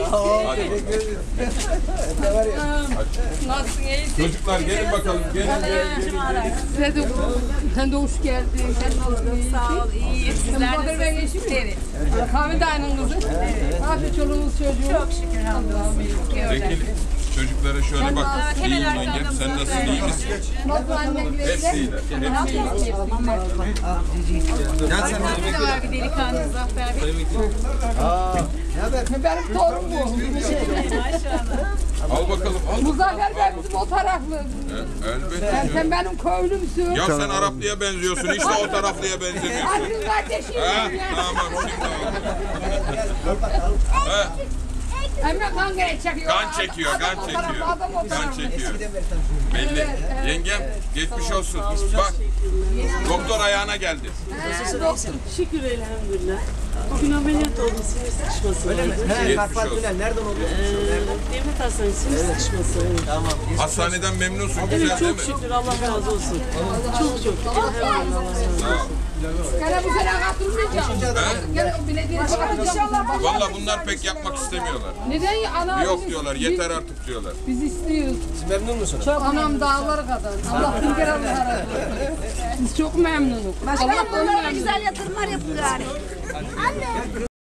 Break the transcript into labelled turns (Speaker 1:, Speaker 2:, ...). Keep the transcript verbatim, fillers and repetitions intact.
Speaker 1: Hadi.
Speaker 2: Nasılsın, iyisin?
Speaker 1: Çocuklar gelin bakalım. Gelin gelin gelin.
Speaker 2: Size de, sen de hoş geldin. Sen nasılsın, iyisin?
Speaker 3: Sağ ol, iyiyim. Sizler
Speaker 2: Bakır ben eşim mi?
Speaker 3: Evet.
Speaker 2: Kahve de aynı kızı. Evet. Afiyet çoluğumuz çocuğu.
Speaker 3: Çok şükür hamdolsun.
Speaker 1: Çekil. Çocuklara şöyle bak.
Speaker 3: Hemen
Speaker 1: İyiyim
Speaker 3: arkamda
Speaker 1: yengem. Sen nasılsın? İyi misin?
Speaker 2: Nasıl anneleri
Speaker 1: Hepsi iyiler. Hepsi iyiler.
Speaker 3: Gel sen de var bir delikanlı Zafer Bey.
Speaker 2: Benim torun bu.
Speaker 3: Maşallah.
Speaker 1: Al bakalım. Al.
Speaker 2: Muzaffer Bey bizim o taraflı.
Speaker 1: E, elbette.
Speaker 2: Sen,
Speaker 1: canım.
Speaker 2: sen benim köylümsün.
Speaker 1: Ya sen Araplıya benziyorsun. Hiç de o taraflıya benzemiyorsun.
Speaker 2: Aklın kardeşim
Speaker 1: Ha?
Speaker 2: ya.
Speaker 1: Tamam şimdi oldu. Ha?
Speaker 2: Emre kan çekiyor.
Speaker 1: Kan çekiyor, kan
Speaker 2: Adam o
Speaker 1: çekiyor.
Speaker 2: taraflı, adam o
Speaker 1: Kan
Speaker 2: taraflı.
Speaker 1: çekiyor. Belli.
Speaker 2: Evet, evet.
Speaker 1: Yengem geçmiş olsun. Bak. Doktor ayağına geldi.
Speaker 2: He, doktor.
Speaker 4: Şükür elhamdülillah. Bugün ameliyat oldum, sinir sıkışması
Speaker 5: Öyle mi?
Speaker 4: oldu.
Speaker 5: He,
Speaker 1: Geçmiş
Speaker 5: Karpat
Speaker 1: olsun.
Speaker 5: Tünel. Nereden oluyorsunuz?
Speaker 4: Ee, Devlet Hastanesi sinir sıkışması oldu.
Speaker 5: Tamam.
Speaker 1: Hastaneden memnunsun.
Speaker 4: Evet,
Speaker 1: Güzel değil
Speaker 4: çok
Speaker 1: mi?
Speaker 4: şükür, Allah razı olsun. Çok çok. Hemen Allah razı olsun.
Speaker 2: Gene bu sene katılmayacağım. Gene belediye katılacağım.
Speaker 1: Valla bunlar pek yapmak istemiyorlar.
Speaker 2: Neden ya? Ana
Speaker 1: Yok
Speaker 2: biz-
Speaker 1: diyorlar.
Speaker 2: biz-
Speaker 1: Yeter artık diyorlar.
Speaker 2: Biz istiyoruz.
Speaker 5: Siz memnun musunuz?
Speaker 2: Çok anam dağları kadar. Allah bin kere Allah Biz çok memnunuz. Allah
Speaker 6: Başkanım
Speaker 2: onu
Speaker 6: onlara
Speaker 2: memnun.
Speaker 6: güzel yatırımlar yapın gari. Anne.